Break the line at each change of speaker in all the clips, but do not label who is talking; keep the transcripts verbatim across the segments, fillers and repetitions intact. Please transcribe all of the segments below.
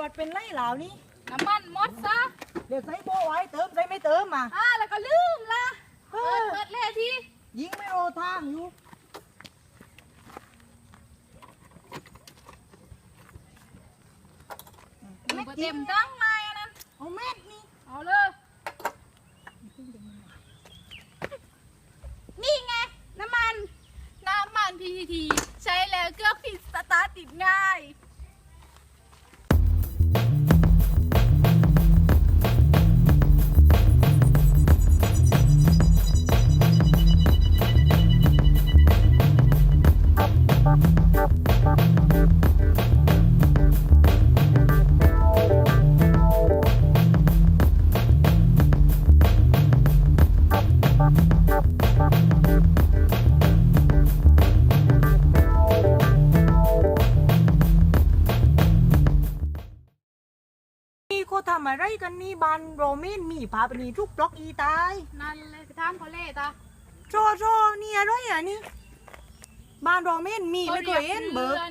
รถเป็นไรเหล่านี้
น้ำมันหมดซะ
เดี๋ยวใส่โบไว้เติมใส่ไม่เติมมา
อ่าแล้วก็ลืมละเปิดเปิดเล่ที
ยิงไม่โอทางอยู่
ไม่เต็มตั้งไม้อันนั้น
เอาเม็ดนี่
เอาเลยนี่ไงน้ำมันน้ำมัน พี ที ที ใช้แล้วเครื่องผิดสตาร์ทติดง่าย
เขาทำอะไรกันนี่บานโรเมนมีพาไปนี่ทุกบล็อกอีตาย
นั่นเลยไปทำเขาเล่ตา
โจโจนี่อะไรอ่ะนี่บานโรเมนมีไม่เคยเห็นเบิร์ด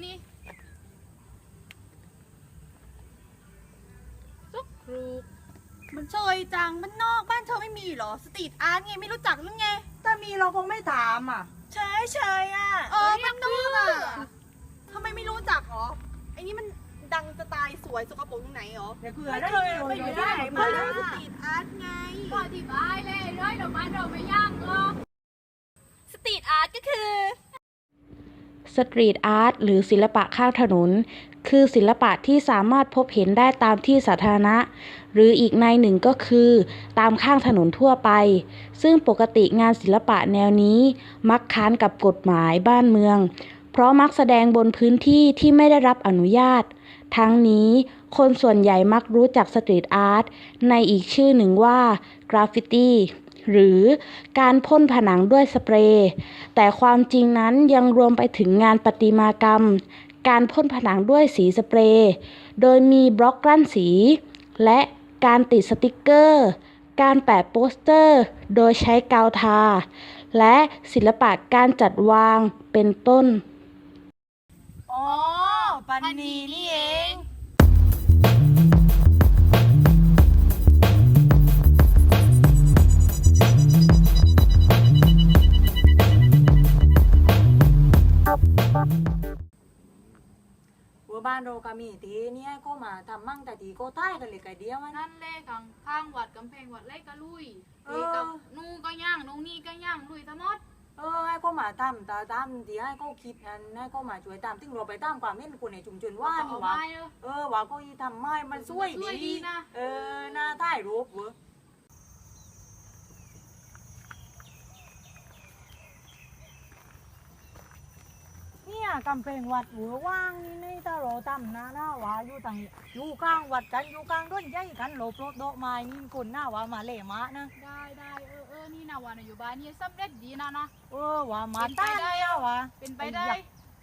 ซุกครู
มันเฉยจังมันนอกบ้านเธอไม่มีหรอสตรีทอาร์ตไงไม่รู้จักหรือไงถ้ามีเราคงไม่ถามอ่ะเฉยเฉยอ่ะ
เออมันนอกอ่ะ
ทำไมไม่รู้จักหรอไอ้นี่มันดังจะตายสวยสกปรกตรงไหนหรอเดี๋ยวคือไม่เคยไปอยู่ที่ไหนมาสตรีทอาร์ตไง
ก็อธิบายเลยร้อยดอกไม้เราไม่ย่างหรอกสตรีทอาร์ตก็คือ
สตรีทอาร์ตหรือศิลปะข้างถนนคือศิลปะที่สามารถพบเห็นได้ตามที่สาธารณะหรืออีกในหนึ่งก็คือตามข้างถนนทั่วไปซึ่งปกติงานศิลปะแนวนี้มักค้านกับกฎหมายบ้านเมืองเพราะมักแสดงบนพื้นที่ที่ไม่ได้รับอนุญาตทั้งนี้คนส่วนใหญ่มักรู้จักสตรีทอาร์ตในอีกชื่อหนึ่งว่ากราฟฟิตี้หรือการพ่นผนังด้วยสเปรย์แต่ความจริงนั้นยังรวมไปถึงงานประติมากรรมการพ่นผนังด้วยสีสเปรย์โดยมีบล็อกกลั้นสีและการติดสติกเกอร์การแปะโปสเตอร์โดยใช้กาวทาและศิลปะการจัดวางเป็นต้น
อ๋อปันนีนี่เองบ้านเราก็มีทีเนี่ยก็มาทำมั่งแต่ทีก็ใต้กันเลยไก่เดียว
นั่นเลยข้างข้างวัดกำแพงวัดเล็กก็ลุยทีกับนู่ก็ย่างนู่นี่ก็ย่างลุยทั้งหมด
เออให้ก็มาทำตาตามทีให้ก็คิดอันให้ก็มาช่วยตามถึงเราไปตามความเห็นคนในชุมชนว่านี่ว่าเออว่าก็ทำไม้มันสวยดี
นะ
เออหน้าใต้รูปเว้ยเนี่ยกำแพงวัดหัวว่างนี่ในตาโรตั้มนะหน้าว่าอยู่ต่างอยู่กลางวัดกันอยู่กลางต้นใหญ่กันหลบรถโดไม้นี่คนหน้าว่ามาเล่มานะ
ได้ได้เออเออนี่นะว่าอยู่บ้านนี่สำเร็จดีนะนะ
เออว่ามาตั้งได้อะวะ
เป็นไปได้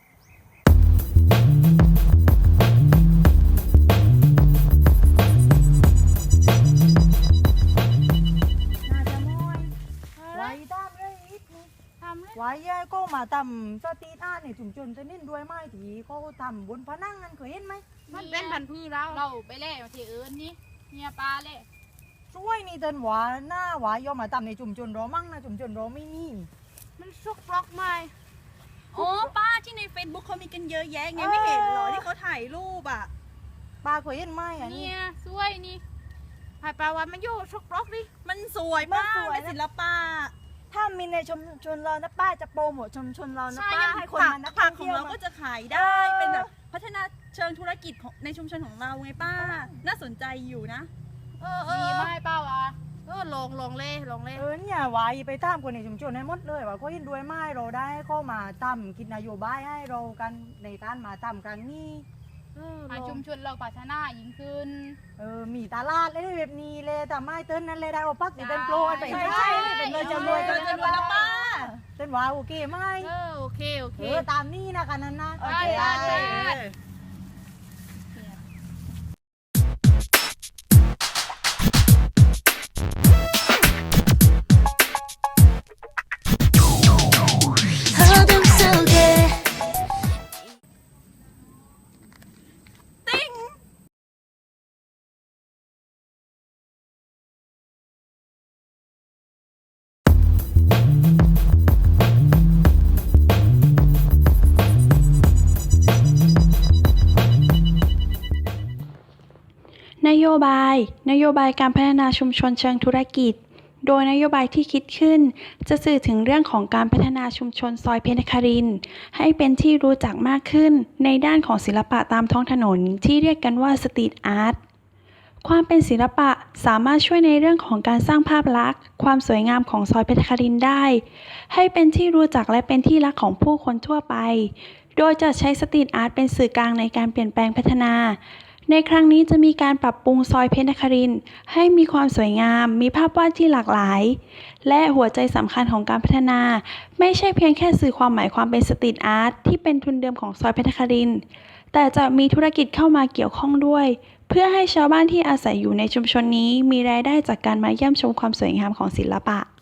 ไว้ก็มาทำสตรีทอาร์ตในชุมชนจะนิ่นด้วยไม้ที่เขาทำบนผนังกันเคยเห็นไหม
มันเป็นพันธุ์พืชแล้วเราไปเล่มาที่อื่นนี่เนี่ยปลาเล่
ช่วยนี่เดินหวาหน้าหวายอมมาทำในชุมชนเรามั่งนะชุมชนเราไม่มี
มันซุกบล็อกไหม
อ๋อป้าที่ในเฟซบุ๊กเขามีกันเยอะแยะไงไม่เห็นหรอที่เขาถ่ายรูปอ่ะ
ป้าเคยเห็นไหมอ่ะ
เนี่ยสวยนี่ถ่ายปลาวันมันโยซุกบล็อกดิ
มันสวยมากเป็นศิลปะ
ถ้ามีในชุมชนเรานะป้าจะโปรโมทชุมชนเรานะป้าให้คนมานัก
ผักของเราก็จะขายได้เป็นแบบพัฒนาเชิงธุรกิจของในชุมชนของเราไงป้าน่าสนใจอยู่นะ
เออเออไม่ป้าวะเออลงลงเล่ลงเล่
เออเนี่ยไว้ไปตามคนในชุมชนให้หมดเลยว่าเขาเห็นด้วยไม้เราได้ก็มาทำคิดนโยบายให้เรากันในการมาทำครั้งนี้
ชุมชนเราพัฒนายิ่งขึ้น
เออมีตลาดเลยแบบนี้เลยแต่ไม่เต้นนั้นเลยได้ว่าพักเป็นโปรไปใช่เป็นเลยจะรวยกันจะรวยแล้วป้าเต้นว่าโอเคไหม
เออโอเคโอเค
ตามนี่นะกันนั้นนะ
โอเคได้
โยบาย นโยบายการพัฒนาชุมชนเชิงธุรกิจ โดยนโยบายที่คิดขึ้น จะสื่อถึงเรื่องของการพัฒนาชุมชนซอยเพชรนครินทร์ให้เป็นที่รู้จักมากขึ้นในด้านของศิลปะตามท้องถนนที่เรียกกันว่าสตรีทอาร์ต ความเป็นศิลปะสามารถช่วยในเรื่องของการสร้างภาพลักษณ์ความสวยงามของซอยเพชรนครินทร์ได้ให้เป็นที่รู้จักและเป็นที่รักของผู้คนทั่วไปโดยจะใช้สตรีทอาร์ตเป็นสื่อกลางในการเปลี่ยนแปลงพัฒนาในครั้งนี้จะมีการปรับปรุงซอยเพชรนครินทร์ให้มีความสวยงามมีภาพวาดที่หลากหลายและหัวใจสำคัญของการพัฒนาไม่ใช่เพียงแค่สื่อความหมายความเป็นสตรีทอาร์ตที่เป็นทุนเดิมของซอยเพชรนครินทร์แต่จะมีธุรกิจเข้ามาเกี่ยวข้องด้วยเพื่อให้ชาวบ้านที่อาศัยอยู่ในชุมชนนี้มีรายได้จากการมาเยี่ยมชมความสวยงามของศิลปะ